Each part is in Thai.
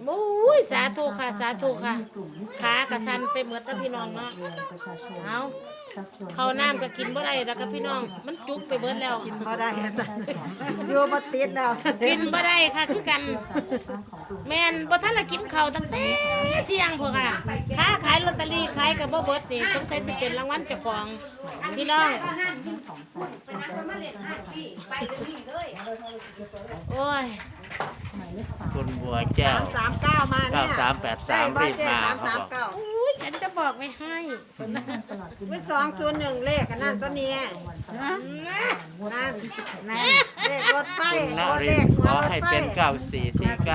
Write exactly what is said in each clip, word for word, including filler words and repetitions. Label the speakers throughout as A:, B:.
A: โอ้ยสาธุค่ะสาธุค่ะขากระสันไปเหมือนกับพี่น้องเนาะเอาเขาน้ำก็กินบ่ได้แล้วกับพี่น้องมันจุกไปเบิดแล้วกินบ่ได้อยู่บ่ติดแล้วกินบ่ได้ค่ะคือกันแม่นบ่ทันละกินข้าวตั้งแต่เที่ยงพวกค่ะค้าขายลอตเตอรี่ขายก็บ่เบิดนี่ต้องใช้สิเป็นรางวัลเจ้าของพี่น้องโอ้ย
B: คุณบัวแก้ว
C: สามเก้ามาเนี่ย
B: เก้าสามแปดสามรีบมาเขาบอก
A: อุ้ยฉันจะบอกไม่ให้
C: วิสองศูนย์หนึ่งเลขกันนั่นตัวนี้นั่นนั่นเลขรถไฟ
B: คุณน
C: รถ
B: ริ
C: เล
B: น
C: ข
B: ทร์ขอให้เป็นเก้าสี่สี่เก้า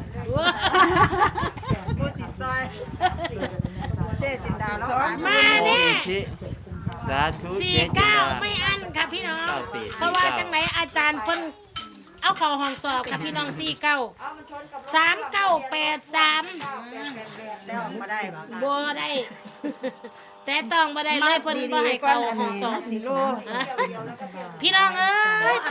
C: ผู้จิตซอยเจ๊จินดาแล้ว
A: มาเนี่ย
B: ชิสาธุ
A: สี่
B: เจ๊จิน
A: เก้า
B: ดา
A: ไม่อันค่ะพี่น้อง
B: เก้าสี่
A: เพราะว่าจังไหนอาจารย์เพิ่นเอาเข่าห้องสอบค่ะพี่น้องสี่เก้าสามเก้าแปดสาม
C: แล้วมาได้บ่
A: บัวได้ แต่ต้องมาได้เลยเพิ่นบ่ให้เข่าห้องสอบพี่น้องเอ้ยไป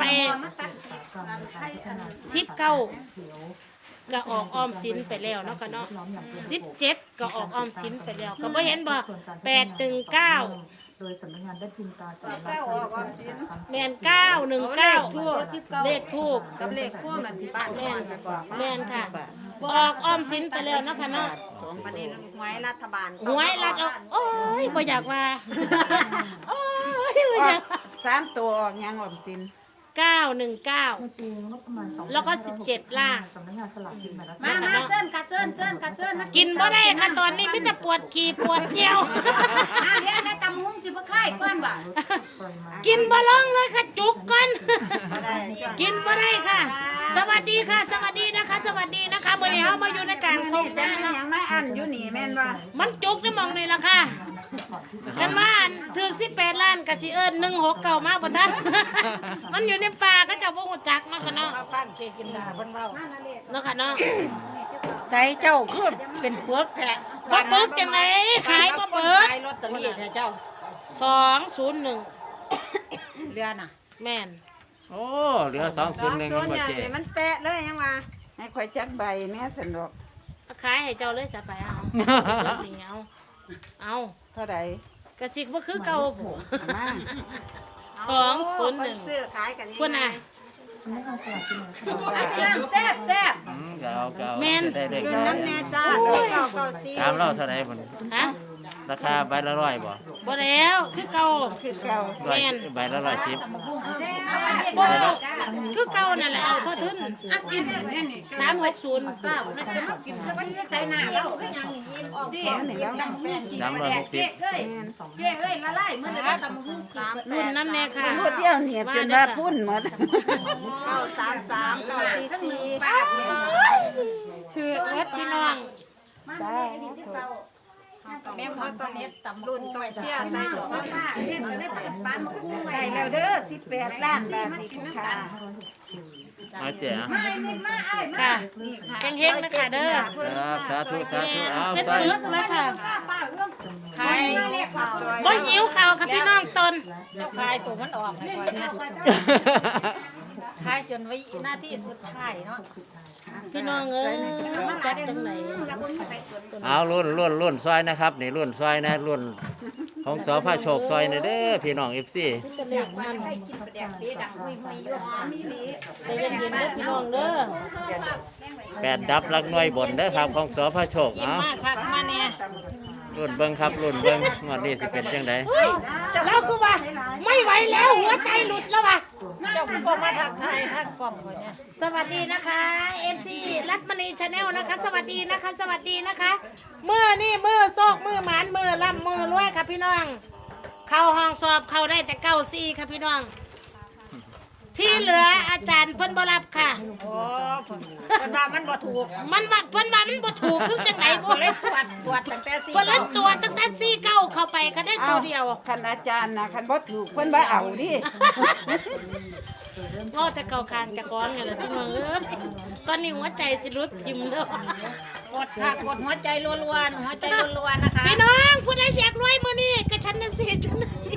A: สิบเก้าก็ออกออมสินไปแล้วเนาะค่ะเนาะสิบเจ็ดก็ออกออมสินไปแล้วก็บ่เห็นบ่แปดหนึ่งเก้า
D: โดยสำนักงานได้พิมพ์ตราสัญ
C: เก้า
D: ลักษณ์
C: ออกความจริง
A: แม่นเก้าหนึ่งเก้าเลขทูบ
C: กับเลขพวกมันบ้าน
A: แม่นแม่นค่ะออกออมสินไปแล้วเนาะค่ะเนาะ
C: ประเด็นหวยรัฐบาล
A: หวยรัดเอาโอ้ยบ่อยากว่าโอ้ยบ่อยาก
C: สามตัวยังออมสิน
A: เก้าหนึ่งเก้า
D: ในปีงบประมาณสองพัน
A: แล้วก็สิบเจ็ดล่าง
D: สำนักงานสลากกินแบ่งรัฐ
C: มา
D: บาล
C: มาเจิ้นกัดเจิ้นเจิ้นกัดเจิ้น
A: กินบ่ได้ค่ะตอนนี้มีแต่ปวดขี้ปวดเจียว
C: อ่าเดี๋ยวนะตำหุ้งสิบ่ค่ายก้อนบ่
D: ปริมาณ
A: กินบ่ลงเลยค่ะจุกก่อนกินบ่ได้ค่ะ สวัสดีค่ะ สวัสดีนะคะ สวัสดีนะคะมื้อนี้เฮามาอยู่ในกลางทุ่งนาเนาะ
C: ยังไม่อันอยู่นี่แม่นว่า
A: มันจุกได้มองนี่ล่ะค่ะกันว่าอันถึงสิบแปดล้านก็สิเอิ้นหนึ่งหกเก้ามาบ่ทัน มันอยู่ในป่าก็เจ้าบ่ฮู้จักเนาะค่ะเนาะฟังเกกินดาเพิ่นเว้าเนาะค่ะเนาะ
E: ใส่เจ้าคือเป็นเปลือกแท้
A: บ่ปึกจังได๋ขายบ่เปิด
E: ขายลอตเตอรี่แท้เจ้า
A: สองศูนย์หนึ่ง
E: เรือน่ะ
A: แม่น
B: โอ้เหลือสองศูนย์หนึ่งมันบ่เจ๊
C: มันแปะเลยยังว่า
E: ให้ข่อยจักใบแม่สนดอก
A: เอาขายให้เจ้าเลยซะไปเอาเอาเอา
E: เท่าใด
A: กระสิกบ่คือเก่าบ่
E: เอามา
A: สองศูนย์หนึ่ง
C: ซื้อขายกัน
A: พุ่นน่ะ
D: สำนักงานสลากกินแบ่งรัฐบาล
C: แซ่บแซ่บ
B: อืมก็เอาก็เอา
A: แม่น
B: จะได้เด็ก
C: เงิน
B: ได้
C: น้ำแน่จ้าเก้าเก้าสี่
B: ตามเราเท่าไหร่บ่
A: ฮะ
B: ราคาใบละร้อยบ่
A: บ่แล้วคือเก่า
E: คือเก่า
B: ร้อย
A: แม่น
B: ใบละร้อยสิบ
A: บ่คือเก่านั่นแหละเอาเท่าทุน
C: กินเนี่ยนี่
A: สามหกศูนย์
C: ป้าน่าจะมากินสักวันใส่หน้าเราก็ยังยิ้มออกดิ
B: สามร้อยหกสิบ
C: เอ้ยเจ้เอ้ยละลายมื้อนี้ตำหุ้งสาม
A: รุ่นน้ำแน่ค่ะ
E: ผู้เที่ยวเหนียบจนว่าพุ่นหมด
C: เก้าสามสามเก้าสี่สี่
A: ชื่อเอิดพี่น้อง
C: แม่พ่อตอนนี้ตำรุ่นต่อยเชี่ยใส่ตัวป้าเล่นจะได้เปิดฟันหุ้งไว้
E: ได้แล้วเด้อสิบแปดล้านบาทนี่คุณค่ะ
B: เอาเจ๊อะ
A: ค่ะเฮงๆนะคะเด้อ
B: ครับสาธุสาธุเอา
A: เป็น
B: ใส่
A: ปึกเลยค่ะ
C: ใครเรียกเขา
A: บ่หิวข้าวค่ะพี่น้องตน
E: ขายตัวมันออกให้ก่อนนะขายจนไว้หน้าที่สุดท้ายเนาะ
A: พี่น้องเอ้ยจัดจังไหน
B: เอารุ่นรุ่นรุ่นซอยนะครับนี่รุ่นซอยนะรุ่นของสพโชคซอยนะเด้อพี่น้อง เอฟ ซี
A: จะเรียกมัน
C: แดงดีดังหุยหุยอยู่หอมมีหลี
A: ใจเย็นๆเด้อพี่น้องเด้อ
B: แปดดับลักหน่วยบนเด้อครับของสพโชคเอา
E: มาคักมาเนี่ย
B: รุ่นเบิ่งครับรุ่นเบิ่งงวดนี้สิเป็นจังได
A: เราก็ว่าไม่ไหวแล้วหัวใจหลุดแล้วว่ะ
E: เจ้าคุณบอกมาทักทายทางกล่องคนเนี่ย
A: สวัสดีนะคะ เอฟ ซี รัตมณีชาแนลนะคะ สวัสดีนะคะ สวัสดีนะคะมือนี่มือโซกมือหมานมือล่ำมือรวยค่ะพี่น้อง เข้าห้องสอบเข้าได้แต่เก้าซี่ค่ะพี่น้อง ที่เหลืออาจารย์เพิ่นบ่รับค่ะ
E: โอ้เพิ่นว่ามันบ่ถูก
A: มันว่าเพิ่นว่ามันบ่ถูกคือจังไหนบ่
E: เลยตรวจตรวจตั้งแต่สี่
A: เพิ่นเลยตัวตั้งแต่ซี่เก้าเข้าไปก็ได้ตัวเดียว
E: คันอาจารย์นะคันบ่ถูกเพิ่นว่าเอาดิ
A: ง้อแต่เก่าคางจะก้อนกันเลยพี่น้องเอ้ยตอนนี้หัวใจสิรุดทิมเด้อก
E: ดค่ะกดหัวใจรัวๆหัวใจรัวๆนะคะ
A: พี่น้องผู้ใดเสียกรวยมื้อนี้ก็ฉันน่ะสิฉันน่ะสิ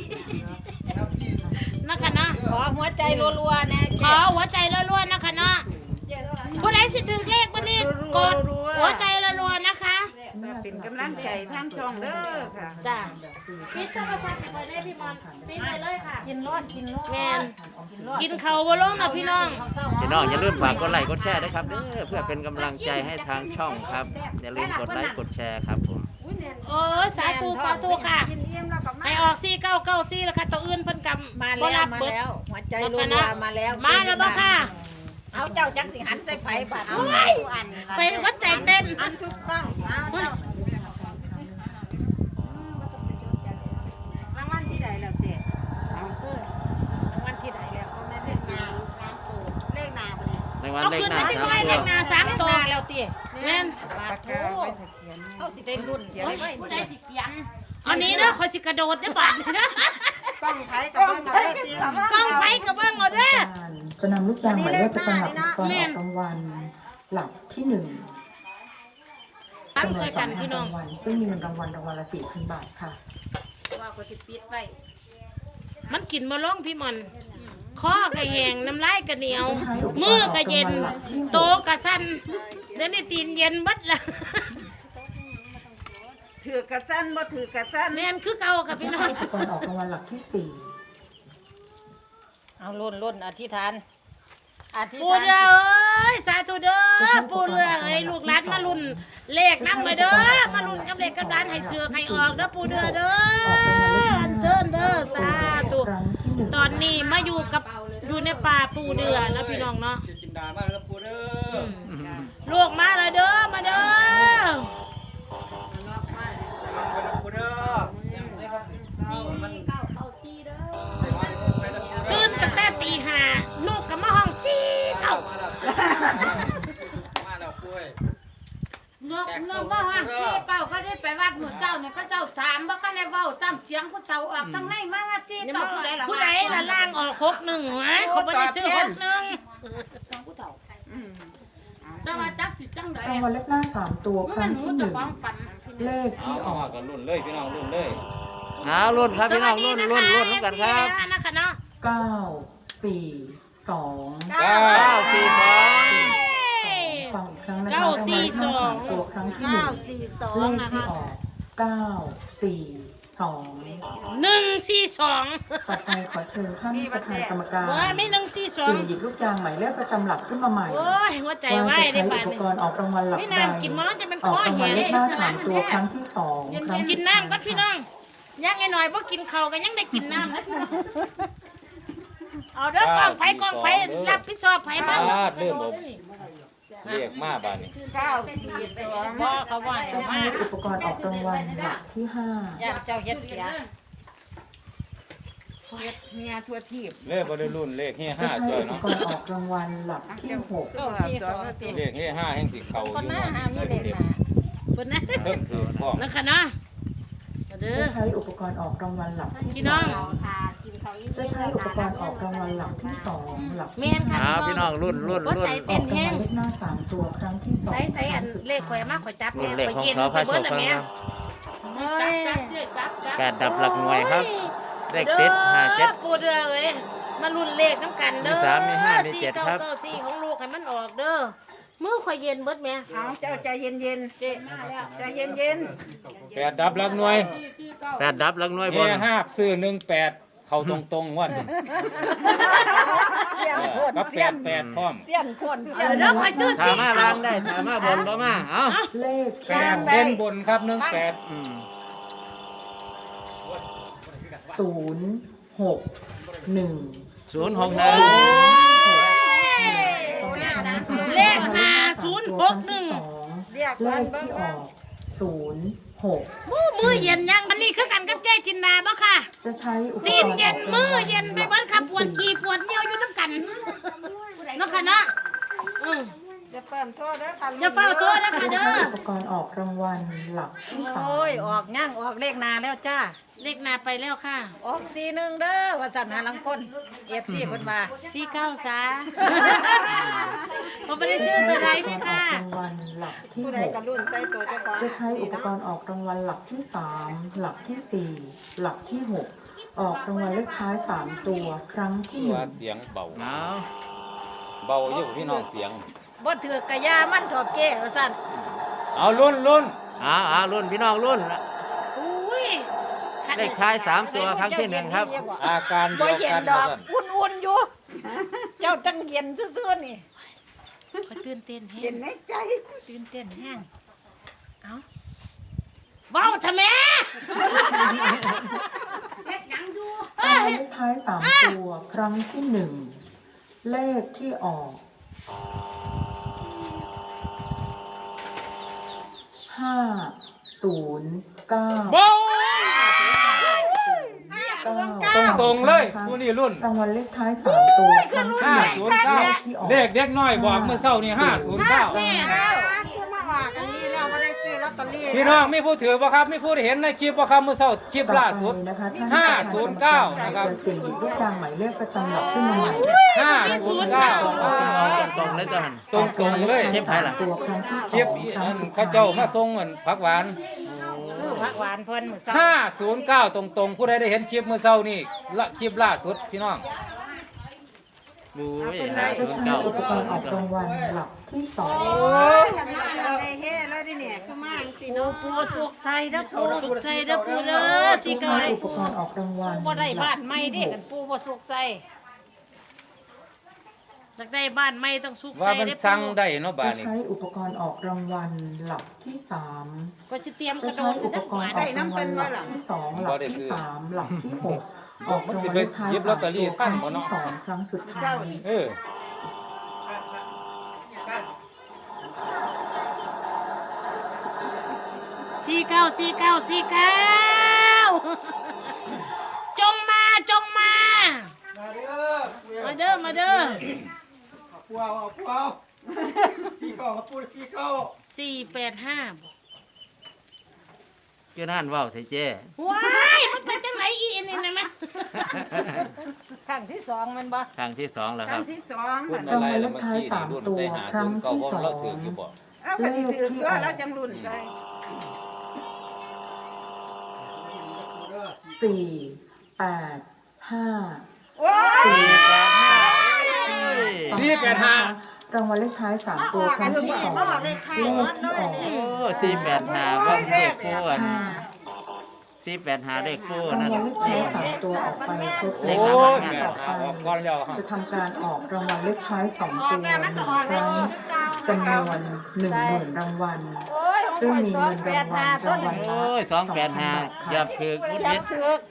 A: นะคะเนาะ
E: ขอหัวใจรัวๆนะ
A: ขอหัวใจรัวๆนะคะเนาะผู้ใดสิถึงเลขมื้อนี้กดหัวใจรัวๆนะคะ
C: เป็นกำลังใจทางช่องเด้อค่ะ
A: จ้าปิดโทรศัพท์ไปได้พี่มอนปิดไปเลยค่ะ
E: กินรอดกินรอด
A: แมนกินเขาวบ่ลงนะพี่น้อง
B: พี่น้องอย่าลืมฝากกดไลค์กดแชร์ด้วยครับเด้อเพื่อเป็นกำลังใจให้ทางช่องครับอย่าลืมกดไลค์กดแชร์ครับผม
A: โอ้ยสาธุสาธุค่ะ
C: กินเอี่ยมแล้วก็มา
A: ให้ออกสี่เก้าเก้าสี่แล้วค่ะตัวอื่นเพิ่นกำ
E: มา
A: บ่
E: แล้ว
A: รับ
E: มา
A: เบิด
E: แล้วหัวใจ
A: แล้ว
E: รั
A: กัน
E: ว
A: นะ
E: ๆมาแล้ว
A: มาแล้วบ่ค่ะ
E: เอาเจ้าจักสิหันใส่ไฟบาดเอา
A: โอ้ยไปวัดใจเต้น
C: อันทุกกล้องเอาเจ้ารางวัลที่ใดแล้วเจ๊
E: เอาเด้อรางวัลที่ใดแล้ว
C: เอาแม่เลขนาเลขนาบ่เนี่ย
B: ในวัน
A: เอา
B: เลข
A: ขึ้น
B: หน้า
A: มา
B: สาม
A: ไว้
B: ตั
A: เล
B: ว
A: ขหน้าสาม
E: เลข
A: ตัว
E: หน้าแล้วติ
A: แม่น
E: บาดโธเอาสิได้รุ่นเดี๋ยวไว้
A: ผู้ใดสิเปียงอันนี้เด้อข่อยสิกระโดดได้อบาดนี้นะ
C: กล้องไผกับเบิ่งเอาได้เตรียม
A: กล้องไผก็เบิ่งเอาเด้อ
D: จะนำลูกยางหมายเลขประจำหลักอุปกรณ์ออกรางวัลหลักที่หนึ่ง
A: ตั้ง
D: จำนว
A: ใส่
D: นส
A: กั
D: อน ง
A: พี่น้อ
D: ราง งวัลซึ่งมีเงินรางวัลรางวัลละสี่พันบาทค่ะ
E: ว่าก็สิปิดไว้
A: มันกินมาล่องพี่มอนคอก็แห้งน้ำลายก็เหนียว มือก็เย็น โตก็สั่นเดี๋ยวนี้ตีนเย็นบัดละ
C: ถือกระสั้นบ่ถือกระสั้น
A: แม่นคือเก่าค่ะ
D: จะ
A: พี่น้
D: ใช้
A: อง
D: อุปกรณ์ออกรางวัลหลักที่สี่
E: เอารุ่นรุ่นอธิษฐานอธิษ
A: ปู
E: ฐาน
A: เด้อเอ้ยสาธุเด้อปูเรือเอ้ยลูกหลานมาลุ่นเลขนำมาเด้อมาลุ่นกับเลขกับร้านให้เจือให้ออกเด้อปูเด้อเด้ออันเชิญเด้อสาธุ
D: ครั้งที่หนึ่ง
A: ตอนนี้มาอยู่กับอยู่ในป่าปูเดือนะพี่น้องเนาะ
F: จินดามากแล้วปูเด้อ
A: ลูกมาเลยเด้อมาเด้อ
F: ปูเด้อ
A: ตื่นตั้งแต่ตีห้าลูกกับมาห้องสี่เก้า
F: มาแล้วมาแล้วปุ้ย
G: เนื้อเนื้อว่าว่าที่เก่าก็ได้ไปวัดหมู่เจ้าเนี่ยเขาเจ้าถามว่าก็เลยเว้าตามเสียงผู้เฒ่าออกทางในมาว่าที่เก่าผู้ใดล่ะ
A: ผู้ใดละล่างออกหกหนึ่งวะเขาไม่ได้ซื้อหกหนึ่ง
G: ผู้เฒ่าแต่ว่าจักสิจังได๋
D: รางวัลเลขหน้าสามตัวค
G: มั
D: รั้
G: น
D: ง
G: หู
D: ที่ห
G: จะ
D: นึ่ง
G: ความฝัน
D: เลข
B: เอา
D: ที่อ
B: เอา
D: อก
B: กันรุ่นเลยพี่น้องรุ่นเลยเอารุ่นครับพี่น้องรุ่นรุ่นรุ่นน้ำกันครับ
A: นะคะเนาะ
D: เก้าสี่สอง
B: เก้าสี่สอง
D: ฟังอีกครั้งนะคะรางวัลเลขหน้าสามตัวครั้งที่หนึ่
C: เก้าง สี่สอ
D: เล
C: ง
D: ข
C: นะ
D: ที่
C: คะ
D: ออกเก้าสี่สอง
A: หนึ่งสี่สอง
D: ต่อไปขอเชิญท่านประธานกรรมการ
A: ว่าไม่หนึ่งสี่สอง
D: สี่หยิบลูกยางหมายเลขประจำหลักขึ้นมาใหม่
A: โอ้ยหัวใจ
D: ว่า
A: ไหว
D: จะ
A: ได้
D: ใช้
A: ป่า
D: อุ
A: น
D: ปกรณ์ออกรางวัลหลัก
A: ไม่
D: ใด
A: นานกินมันจะเป็น
D: อ
A: ข้
D: อ
A: อก
D: ราง
A: แห
D: วัล
A: ง
D: เลขหน้าสามตัวครั้งที่สองครั้ง
A: กิน
D: ที่
A: น้ำก็พี่น้องยังไงหน่อยบ่กินข้าวก็ยังได้กินน้ำเอาเด้อกองไฟกองไฟรับผิดชอบไฟบ้าง
B: เริ่มผมเรียกมาบ้านนี้
C: เก้าสี่สอง
E: บ่เขาว่า
D: จะ
E: ให้
D: ใช้
E: มา
D: อุปกรณ์ออกรางวัลหลักที่ห้า
E: ญาติเจ้าเฮ็ดเสีย
C: เมียทั่วทีบ
B: เลขบริรุ่นเลขเฮีย
D: จะ
B: ห้า
D: ใช้
B: จ้อย
D: อุป
B: เนาะ
D: กรณ์ออกรางวัลหลักที่หก
E: เก้าสี่สองสิ
B: เลขเฮียห้าแห่งสิเขาอ
E: คน
B: ยู่
E: หน้าหามีเลขหน้า
A: เพิ่นนะ
B: เพิ่มถือพ่อ
A: นะคะเนาะเด้อ
D: จะใช้อุปกรณ์ออกรางวัลหลักที่
A: พี่
D: ส
A: น้
D: อ
A: อง
D: งจะใช้อุปกรณ์ออกรางวัลหลักที่สองหลัก
A: แม่
D: ที่
A: นค่ะ
B: เอาพี่น้องรุ่นรุ่น
A: หัว
B: รุ่
A: ใจ
B: น
A: เต้น
D: ออก
A: แห้
D: ราง
A: ง
D: วัลเลขหน้าสามตัวครั้งที่สอง
A: ใส่ใส่อัน
D: ครั้งสุด
A: เลขข่อยมาข่อยจับ
B: รุ่นเลขของ
A: ข่
B: สอพระ
A: เบิ
B: โช
A: ด
B: ค
A: แล้ว
B: ครั
A: แม่
B: บ
A: จับจับจับจับ
B: แปดดับหลักหน่วยครับเลขติดห้าเจ็ด
A: ปูเรือเอ้ยมาลุ้นเลขน้ำกันเด้อ
B: มีสามมีห้ามีเจ็ดครับ
A: สี่เก้าเก้าสี่ของลูกให้มันออกเด้อมือข่อยเย็นเบิดแม่
C: เอาเจ้าใจเย็นเย็นๆเจ๊ใจเย็นเย็น
B: แปดดับหลักหน่วยแปดดับหลักหน่วยบ
H: เฮี
B: น
H: ยห้าซื้อหนึ่งแปดเข้าตรงตรงๆวัน
E: เสียนโค
H: กับ
E: น
H: แป
E: เสีย
H: ด
E: น
H: แปดพร้อม
E: เสียนโคนเสียน
A: เดี๋ยวข่อยซื้อ
B: ถา
A: สี่
B: มมา
A: เก้า
B: ล้างได้ถามมาบนบ่มาเอ้า
D: เลข
H: แปดเด่นบนครับหนึ่งแปด
B: อืม
D: ศูนย์หกหนึ่ง
B: ศูนย์หกหนึ่ง
A: เลขห้าศูนย์หกหนึ่ง
C: ๆเรียก
D: เล
C: เพิ่น
D: ข
C: เบิ่ง
D: ที่ออกศูนย์หก
A: มือมือเย็นยังอันนี้คือกันกับเจ๊จินดาบ่ค่ะ
D: จะใช้อุปกรณ์
A: ตีนเย็นมือเย็นไปเบิดค่ะปวดขี้ปวดเหนียวอยู่น้ำกันเนาะค่ะเนาะอือ
C: จะเปิ่มโทษเด้อค่ะ
A: อย่าเฝ้าตัวนะ
D: จะ
A: ค่ะเด้
D: ใช้
A: อ
D: อุปกรณ์ออกรางวัลหลักที่สาม
E: โอ้ยออกย่างออกเลขหน้าแล้วจ้า
A: เลขหน้าไปแล้วค่ะ
E: ออกสี่หนึ่งเด้อว่าสั่นหาลังคนเอฟซีเพิ่นว่า
A: สี่เก้าซะผมไม่ได้ซื้อตัวใด
D: อุป
A: พี่
D: กรณ์ออ
A: ค่ะ
D: กรางวัลหลักที่
C: ผู้
D: ห
C: ใด
D: ก
C: กระรุ่นใส่ตัวเจ้าของ
D: จะใช้อุปกรณ์ออกรางวัลหลักที่สามหลักที่สี่หลักที่หกออกรางวัลเลขท้ายสามตัวครั้งที่ห
H: ว่า
D: นึ่ง
H: เสียงเบา
B: เอา
H: เบาอยู่พี่น้องเสียง
E: บ่ถือกกะยามันถอดเก้ว่าสั่น
H: เอารุ่นรุ่น
B: เอาเอารุ่นพี่น้องรุ่น
E: อุ้ย
B: เลขท้ายสามตัวครั้งที่หนึ่งครับ
H: อาการ
E: บ่
H: เดียว
E: เย็น
H: กัน
E: ดอก
H: ว่าซั่น
E: อุ่นๆอยู่ เจ้าตั้งเย็นซื่อๆนี่
A: ขอยตื่นเต้นแฮ
C: เห็
A: ง
C: นในใจ
E: ตื่นเต้นแห้ง
A: เอาเว้าทำไม
G: เฮ็ดหยังอยู่
D: รางวัลเลขท้ายสามตัวครั้งที่หนึ่งเลขที่ออกห้าศูนย์เก้า
H: โบ้
D: เก้า
H: ตรงๆเลยผู้นี่รุ่น
D: รางวัลเลขท้ายสามตัวครั้งที่
H: ห้า
D: หนึ่ง
H: ศูนย์เก้า
D: เลขที่ออก
H: เลขเด็กน้อยบอกเมื่อเช้านี่ห้าศูนย์เก้า
C: คือมาว่ากันนี่แล้วบ่ได้ซื้อลอตเตอรี่
H: พี่น้องมีผู้ถือบ่ครับมีผู้เห็นในคลิปบ่ครับเมื่อเช้าคลิปล่าสุด
D: ต่อไปนะคะท่น
H: ห้าศูนย์เก้านะครับ
D: จะเสี่ยงหยิบลูกยางหมายเลขประจำหลักขึ้นมาใหม่
H: ห้าศูนย์เก้า
B: ตรงๆเลยตัวหัน
H: ตรงๆเลย
B: เจ็บไผล่ะ
D: ตัวครั้งที่ส
H: คลิ
D: อ
H: ป
D: ง
H: อี
D: ครั้
H: อั
D: ง
H: น
D: สุด
H: เขา
D: ท้าย
H: เจ้ามาส่งเหมือนผักหวาน
E: ซื้อผักหวานเพิ่นมื้อเช้า
H: ห้าศูนย์เก้าตรงๆผู้ใดได้เห็นคลิปเมื่อเช้านี่ละคลิปล่าสุดพี่น้อง
B: ดูห้า
D: จะ
B: ศูนย์
D: ใช้
B: เก้า
D: อุปกรณ์ออกรางวัลหลักที่สอง
C: กันมาแล้วได้เฮ้แล้วดิเนี่ยคือมาจังซี่
E: ปู
C: เนาะ
E: ปูสุกใส่เด้อปู
A: สุขใจเด้อปูเด้อสิ
D: จะ
A: เก่า
D: ใช้อุปกรณ์ออกรางวัล
E: บ่ได้บ้านใหม่เด้กันปูบ่สุกใส่
A: อยากได้บ้านใหม่ต้องสุข
H: ว่า
A: ใส่
H: มัน
A: เด้อ
H: สั่ง
A: ปู
H: ได้เนาะบา
D: จะ
H: ดนี้
D: ใช้อุปกรณ์ออกรางวัลหลักที่สาม
A: ก็สิเตรียมก
D: จะ
A: ระโด
D: ใช้
A: ด
D: อุปกรณ์ออกรางวัลหลักที่สองหลักที่สามหลักที่หกออกรางวัลเลขท้ายสามตัวครั้งที่สองครั้งสุดท้าย
H: เออ
A: สี่เก้าสี่เก้าสี่เก้าจงมาจงมา
F: มาเด้อ
A: มาเด้อมาเด้อ
F: ปูเอาเอาปูเอาขี้เก่าปูขี้เก่า
A: สี่แปดห้า
B: คือนั่นเว้าใส่เจ้
A: ว้ายมันเป็นจังไหนอีนี่นะแม่
E: ครั้งที่สองแมันบ่
B: ครั้งที่สองแล้วครับ
C: ที่สอง
H: พูดอะไรแล้วเมื่อกี้นี่รุ่นใส่หาศูนย์เก้าเพราะเราถืออยู่บ่
C: เอาก็สิถือตัวเราจังรุ่นใจ
D: สี่แปดห้า
C: โอ้ย
D: สี่
B: แปดห้า
H: สี่แปดห้าร
D: างวัลเลขท้ายสามตัวครั้งที่สองเลขที่ออก
B: โอ้สี่แปดห้าว่าเลขคู่อัน
D: ห้า
B: สี่แปดห้าเลขคู่
D: ราง
B: นั่น
D: วัลเลขท้ายสามตัวออกไปครบ
B: เล
D: แล้
B: ข
D: ว
B: ท้าย
H: โอ้ยแม่หาออกก่อนแล้วครับ
D: จะทำการออกรางวัลเลขท้ายสองตัวหนึ่งครั้งจำนวนหนึ่งหมื่นรางวัล
E: โอ้ย
D: ซึ่งมีเงินรางวัลรางวัล
B: โอ้ยสองแปดห้าอย่าถือพุท
E: ยั
B: ธิ
E: บถึก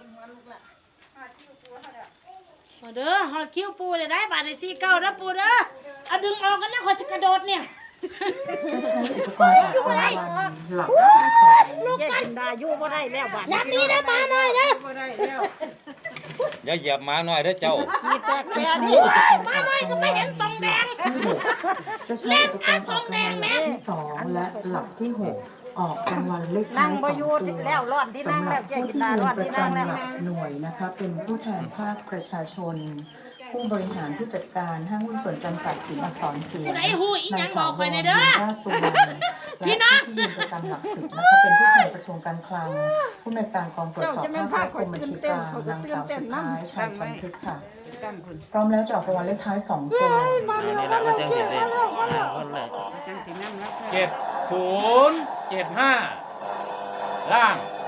A: มาเด้อหอดคิ้วปูเลยได้บาทในสี่เก้าเด้อปูเด้อเอาดึงออกกันนะขอจะกระโดดเนี่ย
D: จะใช้อุปกรณ์ออกรางวัลหลักที่สอง
E: ยายจินดาอยู่บ่ได้แล้วบาด
A: นับนี้นะมาหน่อยนะ
H: อย่าเหยียบหมาหน่อยเด้อเจ้า
E: ขี้แตกแปร
D: จะ
E: นี่
D: ใช้อุปกรณ์ออกรางวัล
A: มาหน่อยก็ไม่เห็นทรงแดง
D: ที่หกจะใช้อุปกรณ์ออกรางวัลหลักที่สองและหลักที่หกออกรางวัลเลขท้า
E: นั่
D: ย
E: ง
D: ส
E: บ่
D: อง
E: อยู่
D: ตัว
E: แล้วรอดที่นั่ง
D: สำห
E: แล้
D: รั
E: ว
D: บ
E: ยาย
D: ผู้
E: จิน
D: ที่
E: ดา
D: ยื
E: รอน ด
D: ประ
E: ที่นั่ง
D: จำ
E: แล้ว
D: หลักหน่วยนะคะเป็นผู้แทนภาคประชาชน ผู้บริหารผู้จัดการห้างหุ้นส่วนจำกัดสินอักษรเสียง
A: ผู้ใดหูอีหยังบอกไปหน่อยเด้อ
D: ราชสุวรรณและผู้ที่ยืนประจำหลักสิบนะคะเป็นผู้แทนกระทรวงการคลัง ผู้อำนวยการกองตรวจสอบภาคและกรมบัญชีกลางนางสาวสุดท้ายชัยจันทึกค่ะพร้อมแล้วจะออกรางวัลเลขท้ายสองตัว
B: นี่แหละมันจังเห็นได้ห้าคนเลย
H: เจ็ดศูนย์เจ็ดห้าล่าง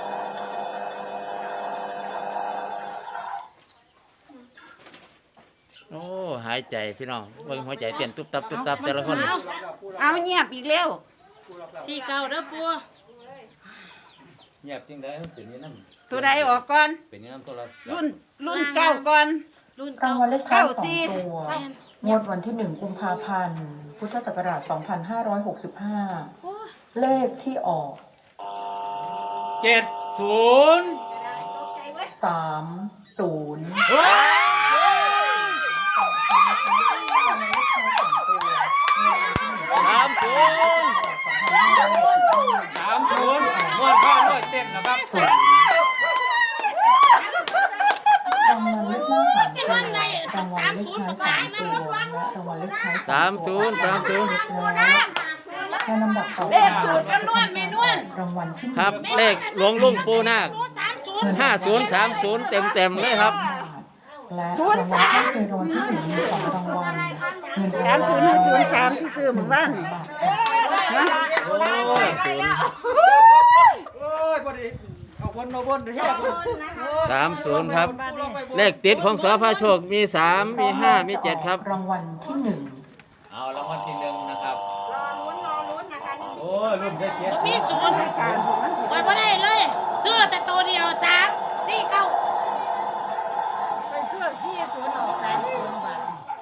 B: โอ้หายใจพี่น้องเบิ่งหัวใจเต้นตุ๊บตับตุ๊บตับแต่ละคน
A: เอา
E: เอาเงียบอีกแล้ว
A: สี่เก้าเด้อปู
H: เงียบจริงได้มันเป็นอย่างนั้น
E: ตัวใดออกก่อน
H: เป็นอย่างนั้นตัวละ
E: รุ่นรุ่นเก้าก่อน
A: รุ่น
D: รา
A: เก้าง
D: วัลเลขท้ายสอง
E: เก้าสี่
D: ตัวงวดวันที่หนึ่งกุมภาพันธ์พุทธศักราชสองพันห้าร้อยหกสิบห้าเลขที่ออก
H: เจ็ดศูนย์
D: สามศูนย์
B: สามศูนย์
H: สามศูนย์นวดข้าวนวดเต้นนะครับ
D: รางวัลเลขหน้าสามตัวรางวัลเลขท้ายสามตัวและรางวัลเลขท้าย
B: สามศูนย์สามศูนย์
D: แล้วในลำดับต่อไป
E: เลขสูตรนวลแม่นวล
D: รางวัลที่ห
B: ค
D: นึ่
B: รับ
D: ง
B: เลขหลวงลุงปูนาค
A: สามศูนย์
B: ห้าศูนย์สามศูนย์เต็มเต็มๆเลยครับ
D: และรางวัลที่เคยรางวัลที่หนึ่งมีสองรางวัลเงินรางวัล
E: สามศูนย์ห้าศูนย์สามที่ซื้อหมู่บ้าน
B: โอ้
F: เอาบนเฮ็ด
B: สามศูนย์ครับ เลขติดของสอพาโชคมีสามมีห้ามีเจ็ดครับ
D: รางวัลที่หนึ่ง
B: เอารางวัลที่หนึ่งนะครับ
C: รอลุ้นรอลุ้นนะคะนี่
H: โอ้ยรุ่นใช้เกียรติ
A: มีศูนย์คอยบ่ได้เลยซื้อแต่ตัวเดียวสามสี่เก้าไปซื้อสี่ศูนย์ออกสามศูนย์บาท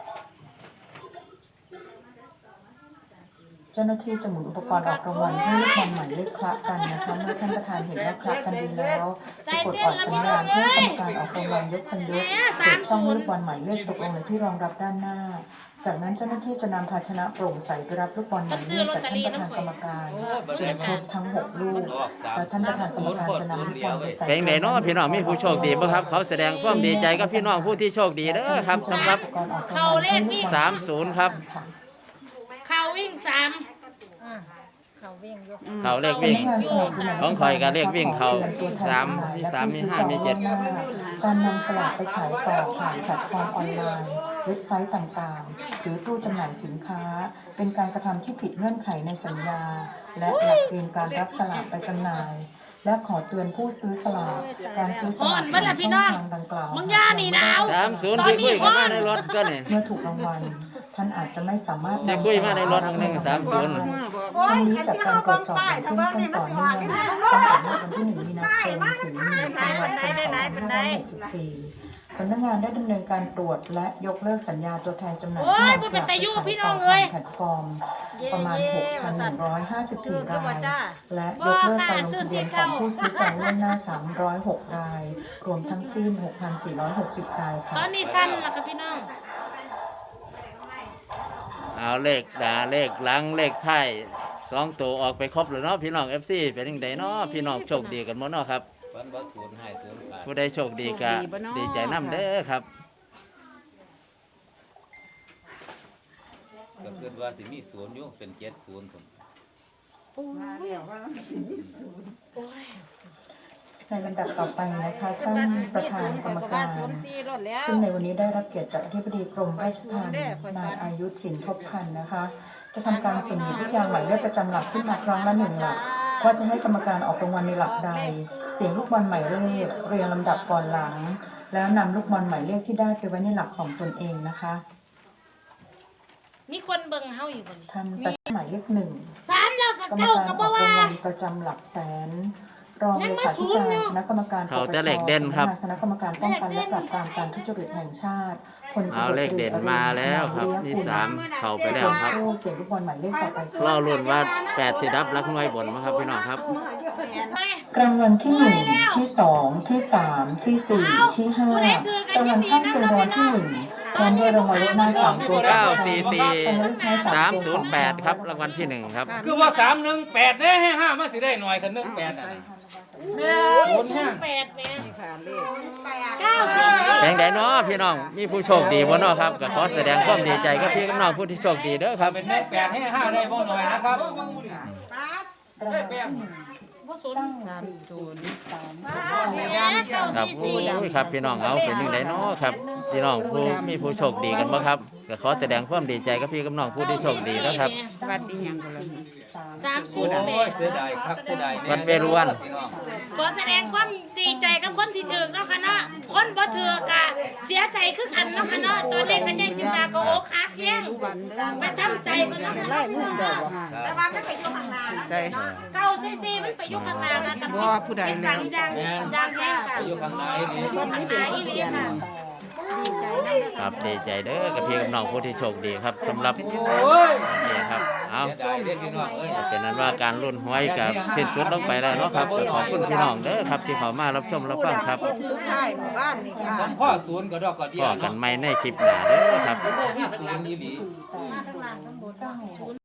D: เจ้าหน้าที่จะหมุนอุปกรณ์ออกรางวัลให้ลูกบอลหมายเลขคละกันนะคะเมื่อท่านประธานเห็นว่าคละกันดีแล้วจะกดออกสัญญาณเพื่อกรรมการออกรางวัลยกคันยกเปิดช่องลูกบอลหมายเลขตกลงในที่รองรับด้านหน้า จากนั้นเจ้าหน้าที่จะนำภาชนะโปร่งใสไปรับลูกบอลหมายเลขจากท่านประธานกรรมการจนครบทั้งหกลูกแล้วท่านประธานกรรมการจะนำลูกบอลไปใส่
B: เพลงไหนเนาะพี่น้องมีผู้โชคดีบ่ครับเขาแสดงความดีใจกับพี่น้องผู้ที่โชคดีเด้อครับสำหรับ สามศูนย์ครับ
A: เขาวิ่งสาม
E: เขาวิ่งอยู่
B: เขาเลขวิ่ง ของข่อยก็เลขวิ่งเขาสามมีสามมีห้ามีเจ็ด
D: การนำสลากไปขายต่อผ่านแพลตฟอร์มออนไลน์เว็บไซต์ต่างๆ หรือตู้จำหน่ายสินค้า เป็นการกระทำที่ผิดเงื่อนไขในสัญญา และหลักเกณฑ์การรับสลากไปจำหน่าย และขอเตือนผู้ซื้อสลากการซื้อสลากผ่านช่องทางดังกล่าว
A: มึงย่านี่หนาว
B: สามศูนย์ที่คุยกันมาในรถก็นี่
D: เมื่อถูกรางวัลท่านอาจจะไม่สามารถ
B: ที่คุยมาในรถหนึ่งสามศูนย์
D: ทั้งนี้จากการตรวจสอบอย่างเข้มข้นต่อเนื่องตั้งแต่เมื่อวันที่หนึ่งมีนาคมถึงหนึ่งธันวาคมสองพันห้าร้อยหกสิบสี่สำนักงานได้ดำเนินการตรวจและยกเลิกสัญญาตัวแทนจำหน่ายที่นำสลากไปขายต่อผ่านแพลตฟอร์มประมาณ หกพันหนึ่งร้อยห้าสิบสี่ ราย และยกเลิกการลงทะเบียนของผู้ซื้อจองล่วงหน้า สามร้อยหก ราย รวมทั้งสิ้น หกพันสี่ร้อยหกสิบ ราย
A: ต
D: ค่ะ
A: อนนี้สั้นแล้วค่ะพี่น้อง
B: เอาเลขดาเลขหลังเลขท้ายสองตัวออกไปครบแล้วเนาะพี่น้อง เอฟ ซี เป็นยังไงเนาะพี่น้องโชคดีกันหมดเนาะครับผู้ใดโชคดีก็ดีใจนำเด้อครับ
I: ก็คือว่าสิมีศูนย์อยู่เป็นเจ็ดศูนย์ผม
D: ในลำดับต่อไปนะคะท่านประธานกรรมการ
E: ศูนย์สี่รถแล้ว
D: ซึ่งในวันนี้ได้รับเกียรติจากอธิบดีกรมราชทัณฑ์นายอายุสินทบพันธ์นะคะ จะทำการเสี่ยงหยิบลูกยางหมายเลขประจำหลักขึ้นมาครั้งละหนึ่งหลักว่าจะให้กรรมการออกรางวัลในหลักใด เสียงลูกบอลหมายเลขเรียงลำดับก่อนหลัง แล้วนำลูกบอลหมายเลขที่ได้ไปไว้ในหลักของตนเองนะคะ
A: มีคนเบิ่งเฮาอยู่บ่นี่
D: ท่านประธานหมายเลขหนึ่ง
A: สามแล้วก็
D: กรรม
A: เก้า
D: การ
A: ก็
D: อ
A: บ่
D: อก
A: ว่า
D: รางวัลประจำหลักแสน รองเลขาธิการคณะกรรมการปปช
B: เขาแต่เลขเด่นครับ
D: คณะกรรมการป้องกันและปราบปรามการทุจริตแห่งชาติพลตำรวจ
B: เอาเลขเด่นมาแล้วครับมีสามเข้าไปแล้วครับ
D: เสียงลูกบอลหมายเลขต่อไป
B: รอรุ่นว่าแปดสิรับรักน้อยบนมั้งครับพี่น้องครับ
D: รางวัลที่หนึ่งที่สองที่สามที่สี่ที่ห้ารางวัลข้างเคียงรางวัลที่หนึ่งพร้อมด้วยรางวัลเลขหน้าสามตัว
B: เก้าสี่สี่สามศูนย์แปดครับรางวัลที่หนึ่งครับ
H: คือว่าสามหนึ่งแปดได้ให้ห้ามาสิได้หน่อยกันหนึ่งแปดอ่ะ
A: ศูนย์แปดเนี่ยเก้าสี่
B: แดงใดเนาะพี่น้องมีผู้โชคดีบ่เนาะครับก็ขอแสดงความดีใจกับพี่น้องผู้ที่โชคดีเด้อครับ
H: เป็นได้แปดให้ห้าได้บ่หน่อยนะครับ
D: ได้แปด
A: บ่ศูนย์
D: สามศูนย์สาม
A: เก้า
B: ครับ
A: สี่
B: โอ้
A: สี่
B: ยครับพี่น้องเอาเป็นยังไงเนาะครับพี่น้องผู้มีผู้โชคดีกันบ่ครับก็ขอแสดงความดีใจกับพี่กับน้องผู้ที่โชคดีนะครับ
E: วัดดีหยังกันล่ะ
A: สามศู
H: โอ้
A: นย์แป
H: ย
A: ด
H: เสียดายครับเสียดาย
B: วัดเวรุวัน
A: ขอแสดงความดีใจกับคนที่ถือเนาะค่ะเนาะคนบ่ถือกะเสียใจคือกันเนาะค่ะเนาะตอนนี้ก็ใจจินดาก็อกหักแย่งไปทำใจกันเนาะค่ะเนาะ
C: แต่ว่าไม่ไปอยู่ข้างหน้านะ
E: ใช่
A: เก้าสี่สี่มันไปอยู่ข้างหน้ากันกับผู้ใดแล้วดังดังดังแย่งกัน
H: อยู่ข้างในนี่
A: ข้างหน้าอีหลีค่ะ
B: ครับดีใจเด้อกับพี่กับน้องผู้ที่โชคดีครับสำหรับ
H: โอ้ย
B: นี่ครับเอา
H: เสียดายเด้อพี่น้องเอ้ย
B: เป็นนั้นว่าการรุ่นหวยกับสิ้นสุดลงไปแล้วเนาะครับก็ขอบคุณพี่น้องเด้อครับที่เข้ามารับชมรับฟังครับ
C: สุดท้ายหมู่บ้านนี่ค่ะ
H: ผมพ่อศูนย์ก็ดอกก็เดีย
B: ก็
H: ว
B: กัน
H: เนาะ
B: ใหม่ในคลิปหน้าเด้อครับ
H: มีศูนย์อีหลี
A: ข้างล่างข้างบน